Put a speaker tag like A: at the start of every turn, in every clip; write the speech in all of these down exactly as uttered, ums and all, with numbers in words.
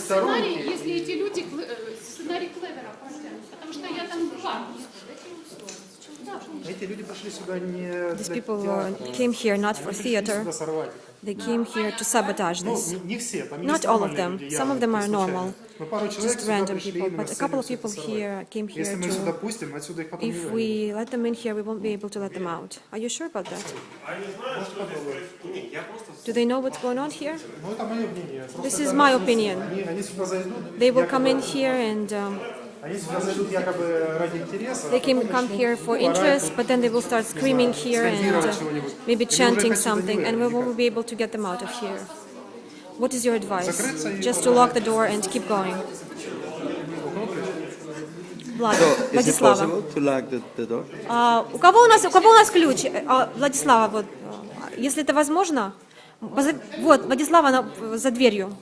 A: сценарий, если эти люди, сценарий Клевера, потому что я там была.
B: Эти люди пришли сюда не
C: These
B: для
C: people
B: театра.
C: uh, came here not for
B: Они пришли
C: theater.
B: сюда сорвать.
C: They came here to sabotage
B: Ну,
C: this.
B: не, не все, там
C: Not
B: есть
C: all of
B: нормальные
C: them.
B: люди,
C: Some
B: явно,
C: of them are
B: такие случайные.
C: normal,
B: Но пару человек
C: just
B: сюда
C: random
B: пришли
C: people.
B: именно
C: But
B: с
C: a
B: целью
C: couple of
B: всё это
C: people
B: сорвать.
C: here came here
B: Если мы их сюда
C: to.
B: пустим, отсюда их потом не
C: If
B: выведем.
C: we let them in here, we won't be able to let them out. Are you sure about that? Do they know what's going on here?
B: Ну, это мое мнение.
C: This
B: Просто
C: is
B: это-
C: my opinion.
B: Они, они сюда зайдут,
C: They will come
B: якобы-
C: in here and um,
B: они сюда зайдут якобы ради интереса,
C: they
B: а
C: can
B: потом
C: come
B: начнут
C: here for
B: орать
C: interest,
B: тут,
C: but then they will start screaming here and
B: скандировать
C: uh,
B: чего-нибудь.
C: maybe
B: И мы уже
C: chanting
B: их отсюда не
C: something, and we
B: выведем
C: won't be able to get them out of here. What is your advice?
B: Закрыться и
C: Just to lock the door and keep going. Влад,
D: So, is it
C: Владислава.
D: possible to lock the, the door?
C: А, у кого у нас, у кого у нас ключ? А, Владислава, вот, а, если это возможно, поза- вот, Владислава она за дверью.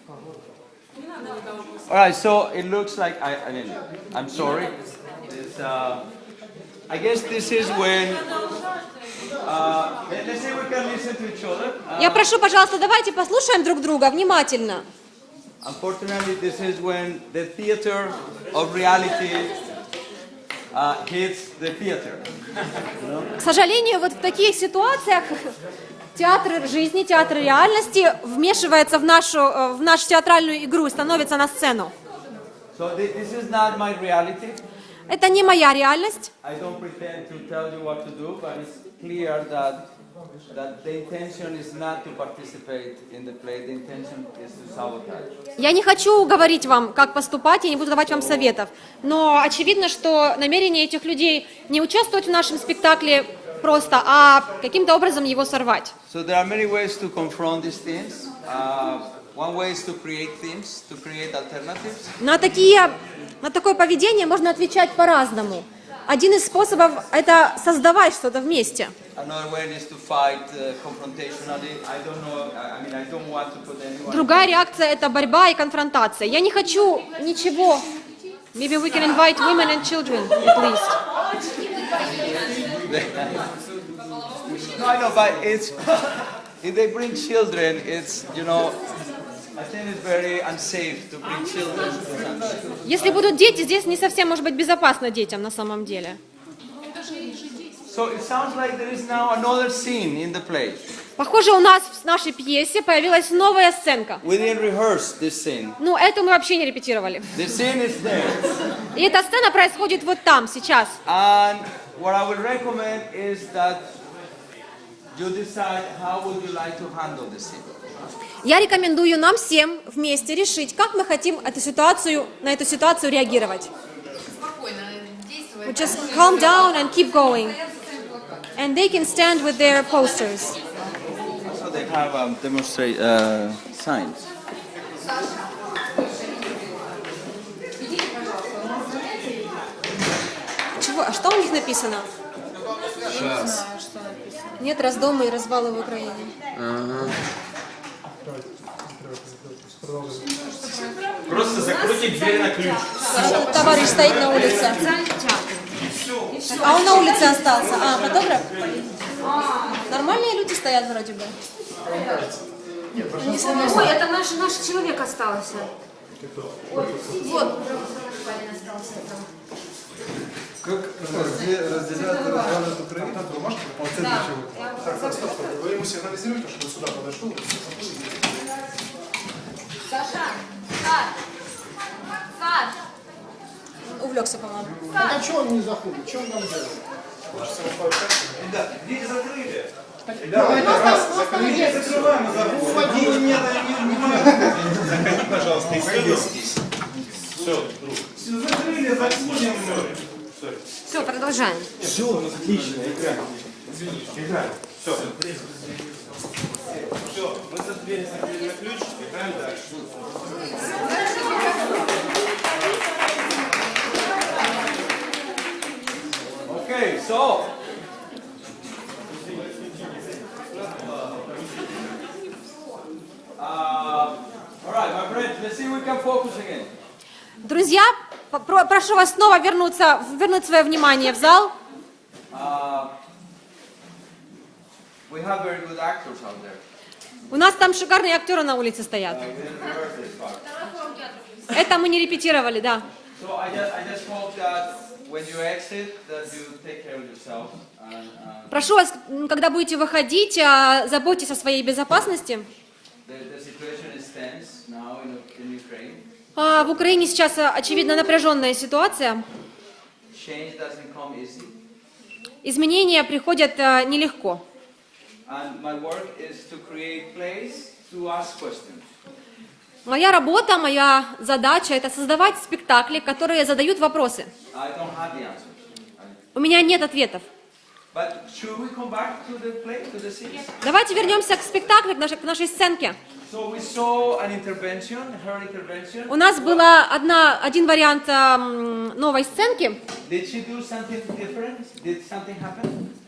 D: All right, so it looks like, I, I mean, I'm sorry. It's, uh, I guess this is when, uh, let- let's say we can listen to each other. Uh,
C: Я прошу, пожалуйста, давайте послушаем друг друга внимательно.
D: Unfortunately, this is when the theater of reality uh, hits the theater.
C: К сожалению, вот в таких ситуациях театр жизни, театр реальности вмешивается в нашу, э, в нашу театральную игру и становится на сцену.
D: So thi- this is not my reality.
C: Это не моя реальность.
D: I don't pretend to tell you what to do, but it's clear that that the intention is not to participate in the play. The intention is to sabotage.
C: Я не хочу говорить вам, как поступать, я не буду давать вам советов. Но очевидно, что намерение этих людей не участвовать в нашем спектакле просто, а каким-то образом его сорвать.
D: So there are many ways to confront these themes. Uh, one way is to create themes, to create alternatives.
C: На, такие, на такое поведение можно отвечать по-разному. Один из способов – это создавать что-то вместе.
D: Another way is to fight uh, confrontationally. I don't know. I I mean, I don't want to put anyone.
C: Другая реакция – это борьба и конфронтация. Я не хочу ничего. Maybe we can invite women and children, at least.
D: No, I know, but it's if they bring children, it's you know, I think it's very unsafe to bring children to something.
C: Если будут дети, здесь не совсем может быть безопасно детям на самом деле.
D: So it sounds like there is now another scene in the play.
C: Похоже, у нас в нашей пьесе появилась новая сценка.
D: We didn't rehearse this scene.
C: Ну, эту мы вообще не репетировали.
D: The scene is there.
C: И эта сцена происходит вот там, сейчас.
D: And what I would recommend is that you decide how would you like to handle the scene.
C: Я рекомендую нам всем вместе решить, как мы хотим эту ситуацию, на эту ситуацию реагировать. We just calm down and keep going. And they can stand with their posters.
D: So they have um, demonstrate uh, signs.
C: Чего? А что у них написано?
E: Сейчас.
C: Нет раздома и развала в Украине.
E: Ага.
F: Просто закройте дверь на ключ.
C: Товарищ стоит на улице. А он на улице остался. А, фотограф? Нормальные люди стоят вроде бы. Ой, это наш, наш человек остался. Вот.
G: Как разделяют и разваливают Украину?
B: Вы можете по центру чего-то? Так, стоп, стоп, стоп. Вы ему сигнализируете, что сюда подошел?
H: Саша! Саш! Саш!
C: Увлекся, по-моему.
G: Так а что он не заходит? Что он там делает?
F: Ребята, дверь закрыли.
G: Давайте раз,
F: Закрыли, закрываем, заходи. Не, не, не, заходи, пожалуйста, и стой здесь. Все, друг. Все, закрыли, заходим.
C: Все, продолжаем.
F: Все, отлично, играем. Играем. Все. Все, мы за дверь закрыли на ключ, играем дальше.
D: Okay, so uh, all right, my friends, let's see if we can focus again.
C: Друзья, про- прошу вас снова вернуться, вернуть свое внимание в зал.
D: Uh, we have very good actors out there.
C: У нас там шикарные актеры на улице стоят.
D: We didn't rehearse this part.
C: Это мы не репетировали, да.
D: So I just, I just hope that when you exit, that you take care of yourself. And, uh,
C: Прошу вас, м, когда будете выходить, а, заботьтесь о своей безопасности.
D: the, the situation is tense now in, in Ukraine.
C: А, В Украине сейчас, а, очевидно, напряженная ситуация.
D: Change doesn't come easy.
C: Изменения приходят а, нелегко.
D: And my work is to create place to ask questions.
C: Моя работа, моя задача – это создавать спектакли, которые задают вопросы.
D: I don't have the answers. I-
C: У меня нет ответов.
D: But should we come back to the play, to the scene?
C: Давайте вернемся к спектаклю, к нашей, к нашей сценке.
D: So we saw an intervention, her intervention.
C: У нас была одна, один вариант а, м, новой сценки.
D: Did she do something different? Did something happen?